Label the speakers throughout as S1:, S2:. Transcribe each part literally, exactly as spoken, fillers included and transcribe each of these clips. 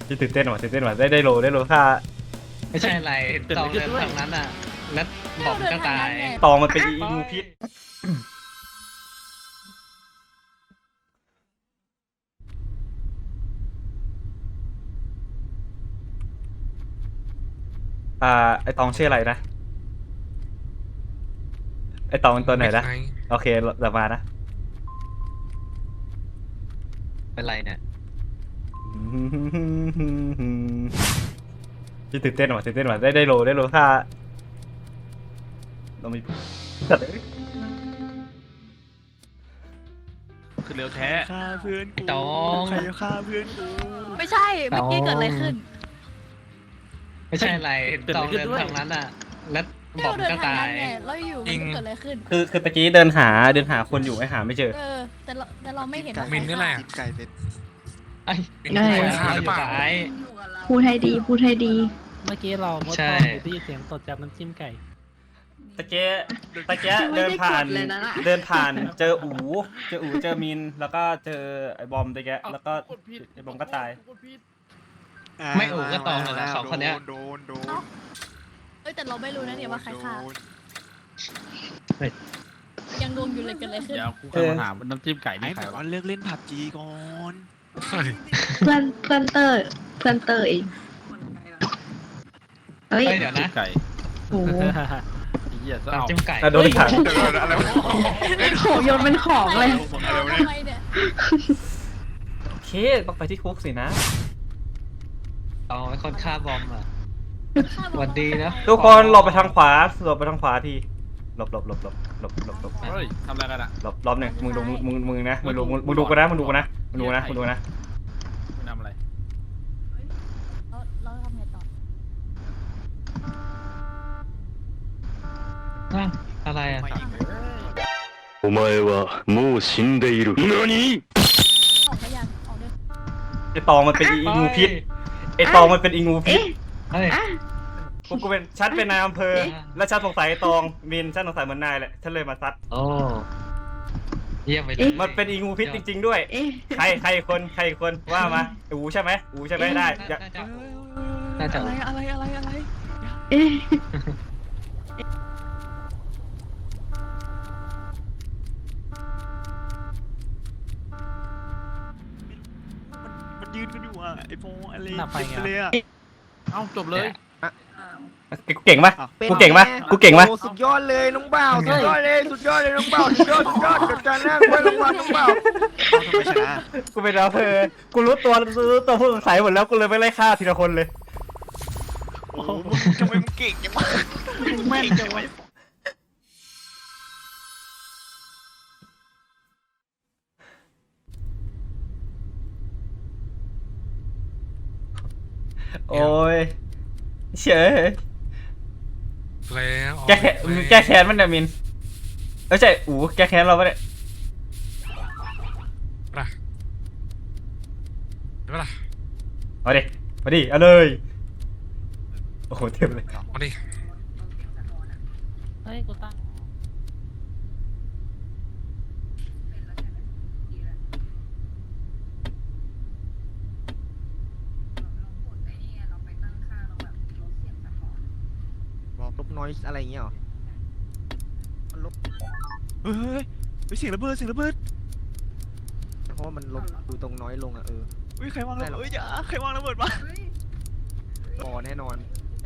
S1: ที่ตื่นเต้นว่ะตื่นเต้นว่ะได้ได้โลได้โลค่า
S2: ไม่ใช่อะไรตองเดินทางนั้นอ่ะแล้วบอมก็ตาย
S1: ตองมันเป็นอีงูพิษอ่าไอตองชื่ออะไรนะไอตองเป็นตัวไหนนะโอเคเดี๋ยวมานะ
S2: เป็นไรเนี่ย
S1: ที่ตื่นเต้นว่ะตื่นเต้นว่ะได้ได้โลได้โลค่าเรามีจัด
S3: คือเร็วแท้
S4: ฆ่าเพื่อนกู
S2: ตอง
S4: ใครจะฆ่าเพื่อนกู
S5: ไม่ใช่เมื่อกี้เกิดอะไรขึ้น
S2: ไม่ใช่อะไรตองเดินทางนั้นอ่ะแล้วบอม
S5: เดิน
S2: ก็
S5: ทาง
S2: ตา
S5: นั้
S2: ย
S5: นไงแล้วอยู่มันเกิดอะไรขึ้น
S1: คือคือตะกี้เดินหาเดินหาคนอยู่ไอหาไม่เจอ
S5: เออแต่เราแต่เราไม่เห็น
S3: มินนี่แหละ
S4: กินไก่เป็น
S2: ไอ้
S6: ได้
S2: คนฆ่าหรือเปล่าไอ้
S6: พูดให้ดีพูดให้ดี
S7: เมื่อกี้เราเมื่อ
S2: ใช่
S7: ตอนได้ยินเสียงตดจากน้ำจิ้มไก่
S1: ตะเกียตะเกียเดินผ่านเดินผ่านเจออูเจออูเจอมินแล้วก็เจอไอบอมตะเกียแล้วก็ไอบอมก็ตาย
S2: ไม่อู๋ก็ตองเลยนะสองคนเนี้ย
S4: โดนโดน
S5: เอ้ยแต่เราไม่รู้นะเนี่ยว่าใครฆ่า
S4: โดน
S5: ยังงงอยู่เลยเกิดอะไรขึ้น
S3: เดี๋ยวกูกำลังถามว่าน้ำจิ้มไก่
S4: ไอ้
S3: นี่ใคร
S4: บอก
S3: วะ
S4: ว่าเลิกเล่นผับจีก่อน
S6: เพื่อนเพื่อนเตอร์เพื่อนเตอร์เองเฮ้ย
S2: เฮ้ยเดี๋ยวนะ
S3: ไก่
S6: โอ้โห
S3: ไอ้เหี้ยจะ
S2: น้ำ
S3: เอา
S2: จิ้มไก่
S1: อ่ะโดนขัง
S4: เดี๋ยวอะไรวะ
S6: โหโยนเป็นของเลย
S5: ทำไมเนี่ย
S1: โอเคต้องไปที่คุกสินะ
S2: ตองเป็นคนฆ่าบอมอ่ะสวัสดีนะ
S1: ทุกคนหลบไปทางขวาหลบไปทางขวาทีหลบหลบหลบหลบหลบหลบหลบ
S3: เฮ้ยทำอะไรกันอ่ะ
S1: หลบรอบหนึ่งมึงดูมึงมึงมึงนะมึงดูมึงมึงดูกันนะมึงดูกันนะมึงดูนะมึงดูนะ
S3: มึงทำอะไร
S5: เราเราทำไงต่อ
S2: อ่ะอะไรอ่ะ
S4: มาอีก
S8: お前はもう死んでいる。何？
S5: ออกได้ยังออกได้
S1: ไอตองมันเป็นอีงูพิษไอตองมันเป็นอีงูพิษ
S6: เอ๊ะ
S2: เฮ้ย
S6: อ่ะ
S1: กูกูเป็นชัดเป็นนายอำเภอ
S6: เอ๊ะ
S1: แล้วชัดสงสัยไอ้ตองมินชัดสงสัยเหมือนนายแหละฉันเลยมาซัด
S2: โอ้เยี่ยมไปเลย
S1: มันเป็นอีงูพิษจริง ๆ ด้วย
S6: เอ๊ะ
S1: ใครใครคนใครคนว่ามาอูใช่ไหมอูใช่ไหมได้อย่า
S2: น่าจะน่าจะ
S4: อะไรอะไรอะไรอะไร
S6: เอ๊ะ
S4: มันยืนกันอยู่อ่ะไอ้โฟอะไร
S7: หน้าไฟไง
S4: เลยอ่ะ
S3: เอ้าจบเลย
S1: กูเก่งปะกูเก่งปะกูเก่งปะ
S4: โอ้สุดยอดเลยน้องบ่าวสุดยอดเลยสุดยอดเลยน้องบ่าวสุดยอดสุดยอดจัดการแรกไว้น้องบ่าวน้องบ่าวทำไมชนะ
S1: กูเป็นอำเภอกูรู้ตัวรู้ตัวผู้สงสัยหมดแล้วกูเลยไม่ไล่ฆ่าทีละคนเลย
S4: โอ้โหมึงทำไมมึงเก่งจังวะมึงแม่นจังวะ
S1: โอ้ยเฉย
S3: แล้ว
S1: แก้แค้นมึงแก้แค้นมันเนี่ยมินเอ้ยใช่อูแก้แค้นเราปะเนี่ย
S3: เดี๋ยวล่ะ
S1: มาดิมาดิเอาเลยโอ้โหเต็มเลย
S3: มาดิ
S7: เฮ้ย กูตั้ง
S9: บอกลบน้อยอะไรอย่างเงี้ยหรอ
S4: เฮ้ยเฮ้ยเฮ้ยเสียงระเบิดเสียงระเบิด
S9: เพราะว่ามันลบดูตรงน้อยลงอ่ะเออ
S4: เฮ้ยใครวางระเบิดเฮ้ยอย่าใครวางระเบิดวะ
S9: พอแน่นอน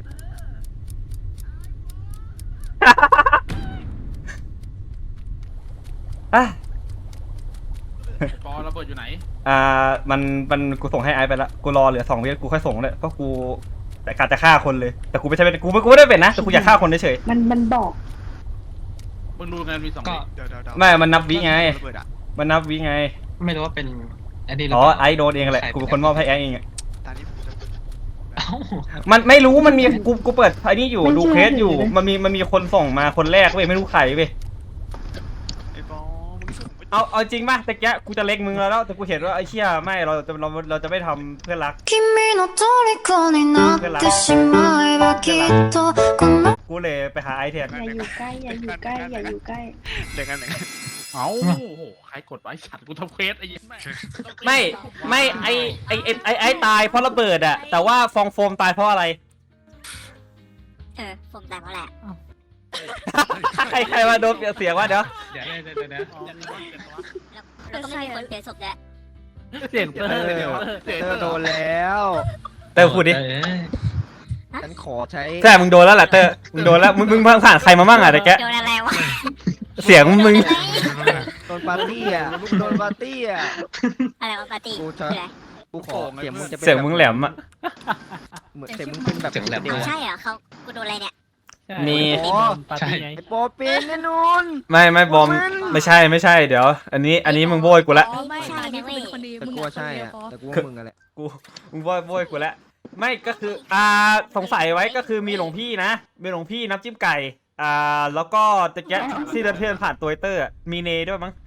S1: อ่ะ
S3: ปอระเบิดอยู่ไหน
S1: อ่ามันมันกูส่งให้ไอซ์ไปละกูรอเหลือสองวิกูค่อยส่งเลยเพราะกูแต่การจะฆ่าคนเลยแต่กูไม่ใช่เป็นกูไม่กูไม่ได้เป็นนะแต่กูอยากฆ่าคนเฉย
S6: มันมันบอก
S3: มึงดูงานมีสอง
S2: ก็
S3: วิ
S4: เดี๋ยวเดี๋ยวเดี๋ยว
S1: ไม่มันนับวิไง
S4: ระเบิดอะ
S1: มันนับวิไง
S2: ไม่รู้ว่าเป็นอันนี้หรือ
S1: อ๋อ
S2: เปล่า
S1: ไอซ์โดนเองแหละกูเป็นคนมอบให้ไอซ์เองอะ
S4: ตอนนี้ผมจะ
S2: เอ้า
S1: มันไม่รู้มันมีกูกูเปิดไอ้นี่อยู่ดูเคสอยู่มันมีมันมีคนส่งมาคนแรกเว้ยไม่รู้ใครเว้ย
S4: ไอ้บอลมึงส่งไป
S1: เอาเอาจริงป่ะตะกี้กูจะเล็กมึงแล้วแล้วแต่กูเห็นว่าไอ้เชี่ยไม่เราจะเราเราจะไม่ทำเพื่อนรัก
S10: 君の虜になってしまえばきっとこの
S1: กูเลยไปหาไอซ์แทน
S6: อย่าอยู่ใกล้อย่าอยู่ใกล้อย่าอยู่ใกล้
S4: เดี๋ยวกันเดี๋ยวกัน
S3: เอ้าโอ้โหใครกดไว้ฉันกูทำเควสไอ้ยี่แม่
S1: ไม่ไม่ไอไอไอไอไอตายเพราะระเบิดอะแต่ว่าฟองโฟมตายเพราะอะไร
S10: เออผมแต่งมาแหละ
S1: ใครใครมาโดนเปลี่ยนเสียงวะเดี๋ยว
S2: เดี๋ยวเดี๋ยวเดี๋ยวเดี๋ยว
S10: แล้วก็ไม่มีคนเปลี่ยนศพแล้ว
S7: เสียงเตอ
S9: เอ
S7: ร์
S9: อ
S7: เดี๋ยว
S9: เตอร์โดนแล้ว
S1: เตอร์พูดดิ
S2: เออ
S9: ฉันขอใช้
S1: ใช่มึงโดนแล้วแหละเตอร์มึงโดนแล้วมึงมึงผ่านใครมาบ้างอะตะแก
S10: โดนอะไรวะ
S1: เสียงมึง
S9: โดนปาร์ตี้อ่ะโดนปาร์ตี้อ่ะ
S10: อะไรวะปาร์ตี้
S9: กู
S10: คือ
S9: จะ
S10: อะไร
S9: กูขอเสียงมึงจะเป็น
S1: เสียงมึงแหลมอะ
S9: เหมือนเสียงมึงเป็นแบบเดียว
S10: เอาใช่เหรอเขากูโดนอะไรเนี่ย
S1: มี
S7: ปาร์ตี้ไง
S9: ไอ้โปเป็นแน่นอน
S1: ไม่ไม่บอมไม่ใช่ไม่ใช่เดี๋ยว อันนี้อันนี้มึงโบยกูละ
S5: อ๋อไม่ตานี้กูเป็นคนดี
S9: แต่
S5: มึง
S9: กู
S5: อะ
S9: ว่าใช่
S5: คนเดียวพอ
S9: อ่ะแต่กูว่ามึงอะไร
S1: กูมึงโบยโบยกูละไม่ก็คืออ่าสงสัยไว้ก็คือมีหลวงพี่นะมีหลวงพี่น้ำจิ้มไก่อ่าแล้วก็ตะแกะที่เดินเพื่อนผ่านตัวเตอร์อะมีเนด้วยมั้ง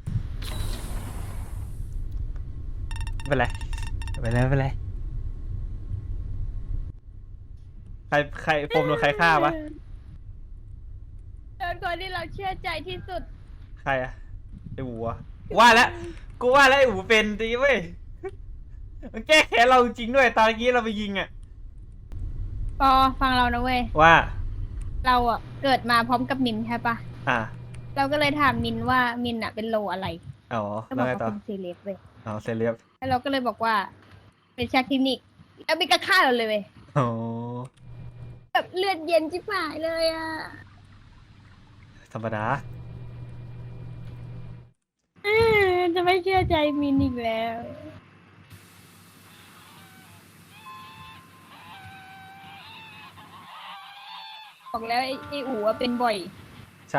S1: ไม่เป็นไรไม่เป็นไรไม่เป็นไรใครใครโฟมโดนใครฆ่าวะ
S5: โดนคนที่เราเชื่อใจที่สุด
S1: ใครอะไอ้หูอะว่าแล้วกูว่าแล้วไอ้หูเป็นดีเว้ยมันแก้แค้นเราจริงด้วยตอนเมื่อกี้เราไปยิงอะ
S5: ปอฟังเรานะเว้ย
S1: ว่า
S5: เราอ่ะเกิดมาพร้อมกับมินใช่ปะ
S1: อ่า
S5: เราก็เลยถามมินว่ามินอ่ะเป็นโลอะไร
S1: อ๋อ
S5: ก็บ
S1: แล้
S5: อ
S1: ว
S5: ก
S1: ไง
S5: ว่า
S1: ต่อ
S5: เป็นเซเลบเว้ย
S1: อ๋อเซเลียบ
S5: แล้วเราก็เลยบอกว่า เป็นชาคลินิกแล้วมินก็ฆ่าเราเลยเว้ย
S1: อ๋อ
S5: แบบเลือดเย็นจิ๋หายเลยอ่ะ
S1: ธรรมดา
S5: เออจะไม่เชื่อใจมินอีกแล้ว บอกแล้วไอ้ไอ้อู๋อะเป็นบ่อย
S1: ใช่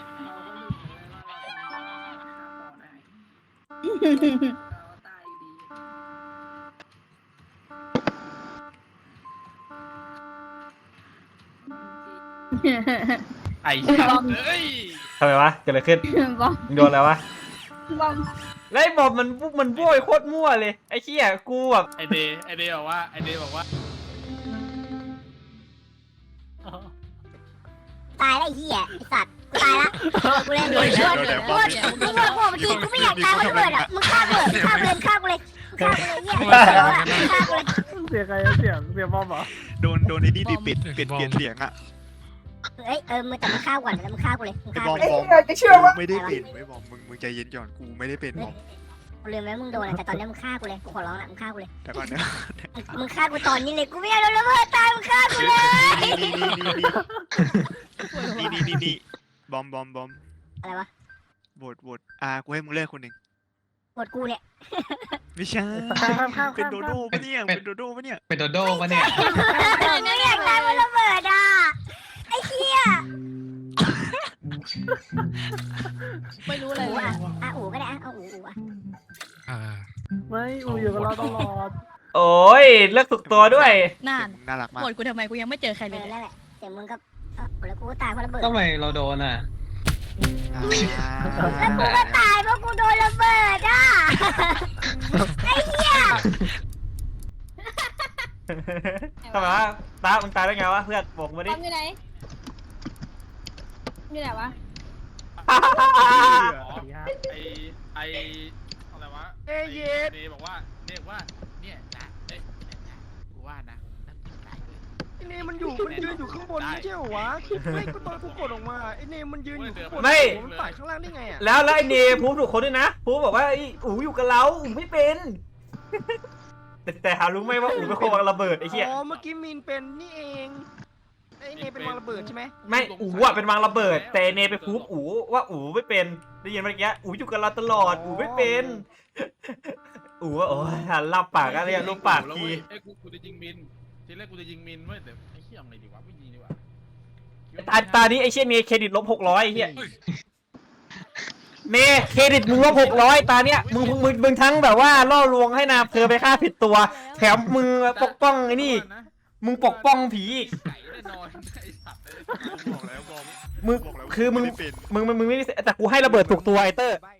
S3: ไอ้สัตว์เอ้ย
S1: ทำไมวะเกิดอะไรขึ้น
S5: บอม
S1: มึงโดนอะไรวะ
S5: บอม
S1: แล้วไอ้บอมมันมันโบยโคตรมั่วเลยไอ้เชี่ยกูแบบ
S3: ไอเดย์ไอเดย์บอกว่าไอเดย์บอกว่า
S10: ตายแล้วไอ้เหี้ยไอ้สัตว์กูตายละกูเล่นโดนชนกูมึงบอกกูทีกูไม่อยากตายเพราะระเบิดอ่ะมึงฆ่ากูเลยฆ่ากูเลยฆ่ากูเลยฆ่ากูเลยเหี้ยฆ่ากูเลย
S7: เสียงใครเสียงเสียงบอมเหรอ
S4: โดนโดนไอ้นี่ดิปิดปิดเปลี่ยนเสียงอ่ะ
S10: เอ้ยเออมึงแต่มึงฆ่าก่อนแล้วมึงฆ่ากูเลยมึง
S4: ไอ้
S10: ฆ่า
S4: บอ
S10: กู
S4: ม
S10: เลย
S4: บอมกูไม่ได้เป็นไว้บอมมึงมึงใจเย็นก่อนกูไม่ได้เป็นบอม
S10: กูลืมแล้วมึงโดนอะแต่ตอนนี้มึงฆ่ากูเลยกูขอร้องละมึงฆ่ากูเลย
S4: แต่ก่อนนะ
S10: มึงฆ่ากูตอนนี้เลยกูไม่อยากโดนระเบิดตายมึงฆ่ากูเลย
S4: นี่นี่นี่นี่นี่นี่บอมบอมบอม
S10: อะไรวะ
S4: โหวตโหวตอ่ากูให้มึงเลือกคนหนึ่ง
S10: หมดกูเนี่ย
S4: ไม่ใช่เป็นโดโด้ปะเนี่ยเป็นโดโด้ปะเนี่ย
S2: เป็นโดโด้ปะเนี่ย
S10: มึงอยากตายเพราะระเบิดอ่ะไอ้เหี้ย
S5: ไม่รู้อะไร
S10: อู๋
S5: เลย
S10: อ่ะอ่ะอู๋ก็ได้อ่ะเอาอู๋อู๋อ่ะ
S3: อ่า
S7: ไม่อูอยู่กับเราตลอด
S1: โอ้ยเลือกถูกตัวด้วย
S5: น่าน
S4: มึงน่ารักมาก
S5: โหวตกูทำไมกูยังไม่เจอใคร
S10: เอ
S5: เลย
S10: อ
S5: เนี่ย
S10: นั่นแหละเสียงมึงก็เออแล้วกูก็ตายเพราะระเบิด
S2: ทำไมเราโดนอ่ะ
S4: อ่า
S10: แล้วกูก็ตายเพราะกูโดนระเบิดอ่ะไอ้เหี้ย
S1: ทำไมวะตามึงตายได้ไงวะเพื่อนบอกมา
S5: บ
S1: ดิ
S5: อมอยู่ไหนอยู่ไหนวะ
S3: อ๋อไอไออะไรวะ
S9: เอ้ยเย็ด
S3: เดย์บอกว่าเดย์บอกว่าเนี่ยนะเอ้ยเนี่ยนะกูว่านะนั่นตายเลย
S9: ไอ้เนมันอยู่มันยืนอยู่ข้างบนไม่ใช่เหรอวะไม่กูตอนกูกดออกมาไอ้เนมันยืนอยู่ข้างบนมันต่ายข้างล่างได้ไงอ่ะ
S1: แล้วแล้วไอ้เนพูดถูกคนด้วยนะพูดบอกว่าไอ้อูอยู่กับเราอูไม่เป็น แต่แต่หารู้ไหมว่าอูเป็นคนวางระเบิดไอ้เหี้ย
S9: อ๋อเมื่อกี้มีนเป็นนี่เองไอ้เนเป็นวางระเบิดใช่ไหม
S1: ไม่อูอ่ะเป็นวางระเบิด แต่เนไปพูดอูว่าอูไม่เป็นได้ยินเมื่อกี้อูอยู่กับเราตลอดอูไม่เป็นอูว่าโอ้ยหันลับปากอะไรอย่างลูกปากที
S3: เอ้ยกูกูจะยิงมินทีแรกกูจะยิงมินเว้ยแต่ไอ้เหี้ยเอาไงดีวะไม่ยิงดีกว่า
S1: ตาตานี้ไอ้เชี่ยเนเครดิตลบหกร้อยไอ้เหี้ยเนเครดิตมึงลบหกร้อยตาเนี้ยมึงมึงมึงทั้งแบบว่าล่อลวงให้นามเธอไปฆ่าผิดตัว แถมมึงปกป้องไอ้นี่มึงปกป้องผีอีก
S3: ไก่แน่นอนไอ้สัตว์เลย
S4: บอกแล้วบอม
S1: มึง
S4: บอกแล้ว
S1: คือมึง
S4: ไได้เป็น
S1: มึงมึงมึงไม่ได้แต่กูให้ระเบิดถูกตัวไอเตอร์